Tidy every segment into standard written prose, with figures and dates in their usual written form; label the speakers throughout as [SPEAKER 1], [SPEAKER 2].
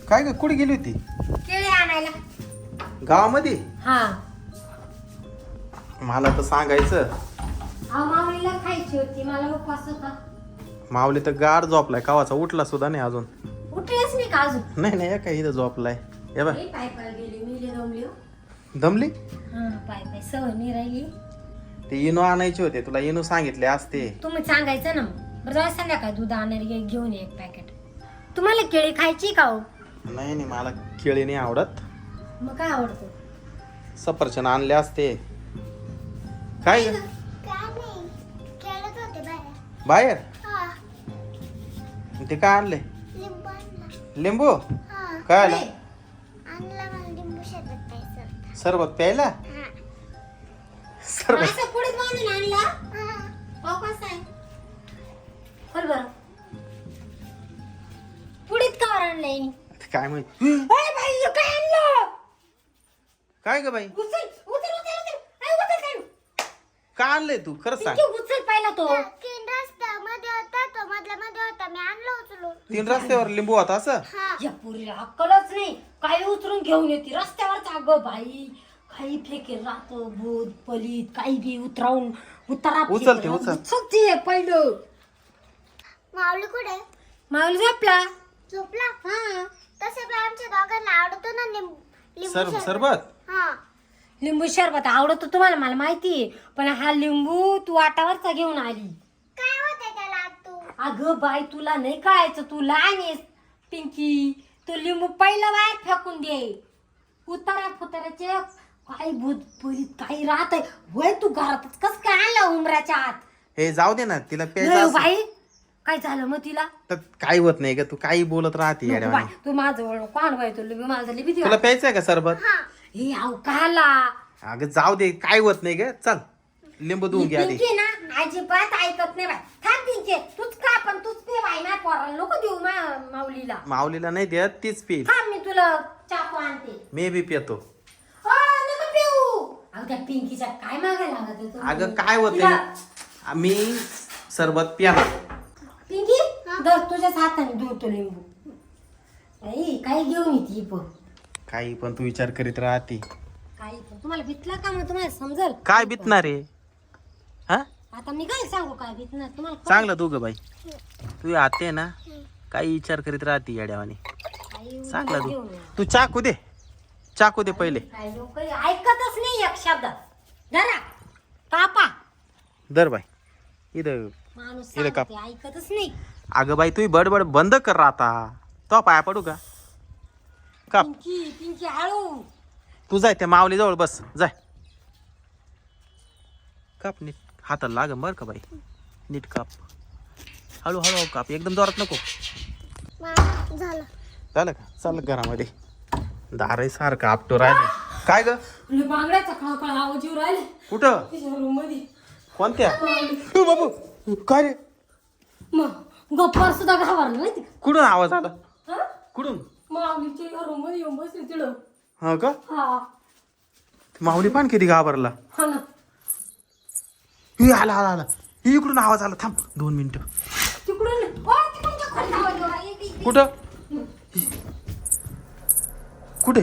[SPEAKER 1] काय ग कुठे गेली होती?
[SPEAKER 2] केळी आणायला.
[SPEAKER 1] गावामध्ये?
[SPEAKER 2] हा.
[SPEAKER 1] मला तर सांगायचं.
[SPEAKER 2] माऊलीला खायची होती, मला उपवास होता.
[SPEAKER 1] माऊली तर गार झोपलाय, कावाचा उठला सुद्धा नाही अजून.
[SPEAKER 2] उठलेच नाही का अजून?
[SPEAKER 1] नाही नाही काय इथं झोपलाय. हे बघ
[SPEAKER 2] पाय पाय गेली, मी लय दमली हो.
[SPEAKER 1] दमली?
[SPEAKER 2] हा, पाय पाय सवय नाही राहिली.
[SPEAKER 1] ते इनो आणायचे होते, तुला इनो सांगितले असते.
[SPEAKER 2] तुम्ही सांगायचं ना मग. बरं जाऊ संध्याकाळी दूध आणणार घेऊन ये एक पॅकेट. तुम्हाला केळी खायची का हो?
[SPEAKER 1] नाही नाही मला केळी नाही आवडत.
[SPEAKER 2] मग काय आवडतं?
[SPEAKER 1] सफरचंद आणले असते. काय ग? बाहेर ते काय आणले? लिंबू? काय आला? सरबत प्यायला? सरबत
[SPEAKER 2] असं पुढे बांधून आणला? हो कसं आहे? बोल बरं. पुढीत का आणलंय?
[SPEAKER 1] काय माहित.
[SPEAKER 2] बाई काय आणलं?
[SPEAKER 1] काय ग बाई?
[SPEAKER 2] उचल उचल उचल उचल. आई उचल काय?
[SPEAKER 1] काय आणलंय तू खरं सांग.
[SPEAKER 2] तू उचल पहिला तो.
[SPEAKER 1] 3 रस्त्यावर लिंबू होता असं?
[SPEAKER 2] या पुरीला अक्कलच नाही. काही उचलून घेऊन येते रस्त्यावरच. अगं बाई काही फेकेल राहतं भूत पलीत काही बी उतरावून उतारा
[SPEAKER 1] उचलते उचल.
[SPEAKER 2] उचलते पहिलं.
[SPEAKER 3] माऊली कुठे?
[SPEAKER 2] माऊली झोपला.
[SPEAKER 3] झोपला?
[SPEAKER 2] हा.
[SPEAKER 3] तसे पण आमच्या दोघांना आवडतो ना लिंबू
[SPEAKER 1] सरबत?
[SPEAKER 3] हा.
[SPEAKER 2] लिंबू शरबत आवडतो तुम्हाला मला माहितीये, पण हा लिंबू तू वाटावरचा घेऊन आली.
[SPEAKER 3] काय होतंय त्याला तू?
[SPEAKER 2] अगं बाई तुला नाही कळायचं, तू लहान आहेस पिंकी. तो लिंबू पहिला बाहेर फेकून दे. उतारा फुताराचे काही भूत पलीत काही राहत आहे वय. तू घरातच कस काय आणलं उमराच्या आत?
[SPEAKER 1] हे जाऊ दे ना, तिला प्यायचं
[SPEAKER 2] नाही
[SPEAKER 1] असं.
[SPEAKER 2] बाई काय झालं मग तिला?
[SPEAKER 1] तर काही होत नाही ग, तू काही बोलत राहते
[SPEAKER 2] नको
[SPEAKER 1] येड्यावानी.
[SPEAKER 2] बाई, तू माझं कोण बाई तू लिंबू माझं लिंबी
[SPEAKER 1] तुला प्यायचंय का सरबत?
[SPEAKER 2] हे आव काला
[SPEAKER 1] अगं जाऊ दे, काय होत नाही ग. चल लिंबू देऊन घे आधी.
[SPEAKER 2] पिंकी ना अजिबात ऐकत नाही बाई. थांब पिंकी, तूच का पण तूच पे बाई. ना पोराला नको देऊ माऊलीला.
[SPEAKER 1] माऊलीला नाही देत, तीच पी.
[SPEAKER 2] थांब मी तुला चाकू आणते.
[SPEAKER 1] मी बी पितो.
[SPEAKER 2] नको पिऊ. अगं त्या पिंकीच्या काय मागायला लागत आहे तुम्ही?
[SPEAKER 1] अगं काय होते,
[SPEAKER 2] तिला-
[SPEAKER 1] मी सरबत प्याला.
[SPEAKER 2] पिंकी दर तुझ्याच हाताने धुतो लिंबू. आई काही घेऊन येते पण.
[SPEAKER 1] काही पण तू विचार करीत राहते.
[SPEAKER 2] काही पण तुम्हाला भितला का मग तुम्हाला समजल
[SPEAKER 1] काय बितणार आहे? हा
[SPEAKER 2] आता मी काय सांगू काय भितणार तुम्हाला
[SPEAKER 1] चांगलं तू ग बाई. तू आते ना काही विचार करीत राहते येड्यावानी. चांगला तू तू चाकू दे, चाकू दे पहिले.
[SPEAKER 2] काय लोक ऐकतच नाही एक शब्द. जरा कापा
[SPEAKER 1] दर बाई इथं.
[SPEAKER 2] माणूस
[SPEAKER 1] इथं काप.
[SPEAKER 2] सांगते, ऐकतच नाही.
[SPEAKER 1] अगं बाई तू बडबड बंद कर आता. तो पाया पडू का? काप.
[SPEAKER 2] पिंकी पिंकी हळू.
[SPEAKER 1] तू जाय त्या माऊली जवळ बस, जाय. काप नीट, हाताला लाग बर का बाई. नीट काप, हळू हळू काप, एकदम जोरात नको.
[SPEAKER 3] झालं.
[SPEAKER 1] झालं का? चाल घरामध्ये. दार सारखं आपटो राहिले. काय ग?
[SPEAKER 2] बांगड्याचा खळखळ आवाज येऊ राहिले
[SPEAKER 1] कुठं?
[SPEAKER 2] तिच्या रूम मध्ये.
[SPEAKER 1] कोणत्या? ओ बाबू काय रे?
[SPEAKER 2] मग गप्पा सुद्धा घाबरला माहिती का?
[SPEAKER 1] कुठून आवाज आला?
[SPEAKER 2] हा?
[SPEAKER 1] कुठून?
[SPEAKER 2] माऊलीच्या रूम मध्ये येऊन बसली तिथं.
[SPEAKER 1] हा का?
[SPEAKER 2] हा
[SPEAKER 1] माऊली पण किती घाबरला.
[SPEAKER 2] हा ना.
[SPEAKER 1] ही आला आला आला. ही इकडून आवाज आला. थांब 2 मिनिटं.
[SPEAKER 2] तिकडून तिकडून खाली आवाज येऊ राहिला.
[SPEAKER 1] कुठं? कुठे?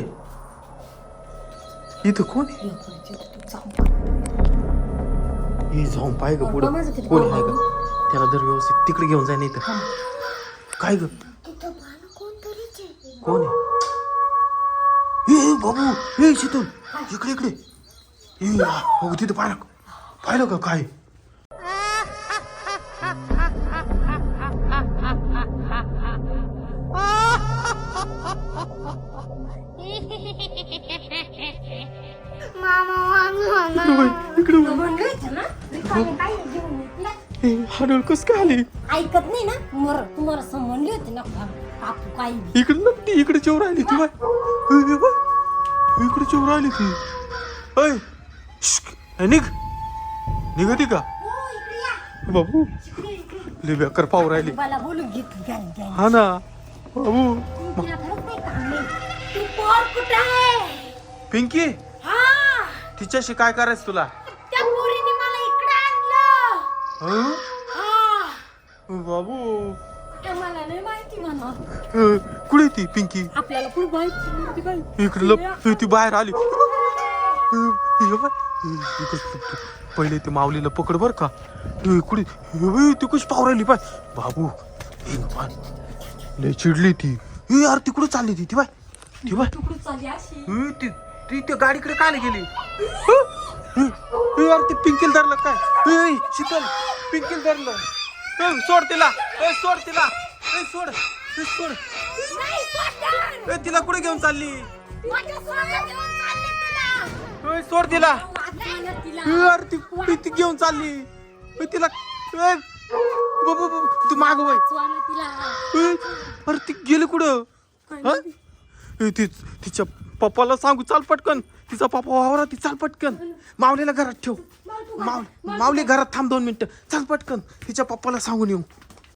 [SPEAKER 1] इथं कोण आहे? हे जाऊन पाय ग पुढं कोण आहे ग? त्याला जर व्यवस्थित तिकडे घेऊन जाय. नाही तर काय ग?
[SPEAKER 3] तिथं भान कोणतरीच आहे.
[SPEAKER 1] कोण आहे? ए बाबू, ए शीतल इकडे इकडे. ए हो तिथं पाहिलं का काय? इकडे
[SPEAKER 2] म्हणलं होतं ना रिकामी काही घेऊन येते.
[SPEAKER 1] हाडळ कस काय आली?
[SPEAKER 2] ऐकत नाही ना. तुम्हाला समजली होती ना कापू काही.
[SPEAKER 1] इकडे नक्की इकडे चोर राहिली ती बाय. इकडे चोर राहिली ती. अय निघ निघती का
[SPEAKER 2] हो, इकडे या.
[SPEAKER 1] बाबू? लय बेकार पाव राहिली.
[SPEAKER 2] मला बोलून घेतली.
[SPEAKER 1] हा ना बाबू.
[SPEAKER 2] तिला खरंच नाही काढले. ती पोर कुठे आहे?
[SPEAKER 1] पिंकी
[SPEAKER 2] हा
[SPEAKER 1] तिच्याशी काय करायचं तुला?
[SPEAKER 2] त्या पोरीने मला इकडे आणलं.
[SPEAKER 1] हं?
[SPEAKER 2] हा
[SPEAKER 1] बाबू
[SPEAKER 2] ते मला नाही माहिती ती म्हणा
[SPEAKER 1] कुठे ती पिंकी
[SPEAKER 2] आपल्याला पुढे माहिती काय
[SPEAKER 1] इकडे लप ती बाहेर आली हे बाय, इकडे लपतो. पहिले ते माऊलीला पकड बर का कुठे ती कशी पाव राहिली पाय बाबू लय चिडली ती यार तिकडे चालली ती बाय ती बाय
[SPEAKER 2] तुकडून चालली अशी
[SPEAKER 1] ती त्या गाडीकडे काय गेली यार ते पिंकील धरलं काय शीतल पिंकील धरलं सोड तिला सोड तिला सोड सोड तिला कुठे घेऊन चालली सोड तिला यार ती घेऊन चालली तिला तू माग वय अरे ती गेली कुठं तिच्या पप्पाला सांगू चाल पटकन तिचा पप्पा वावरा ती चाल पटकन माऊलीला घरात ठेव माऊली घरात थांब 2 मिनिटं चाल पटकन तिच्या पप्पाला सांगून येऊ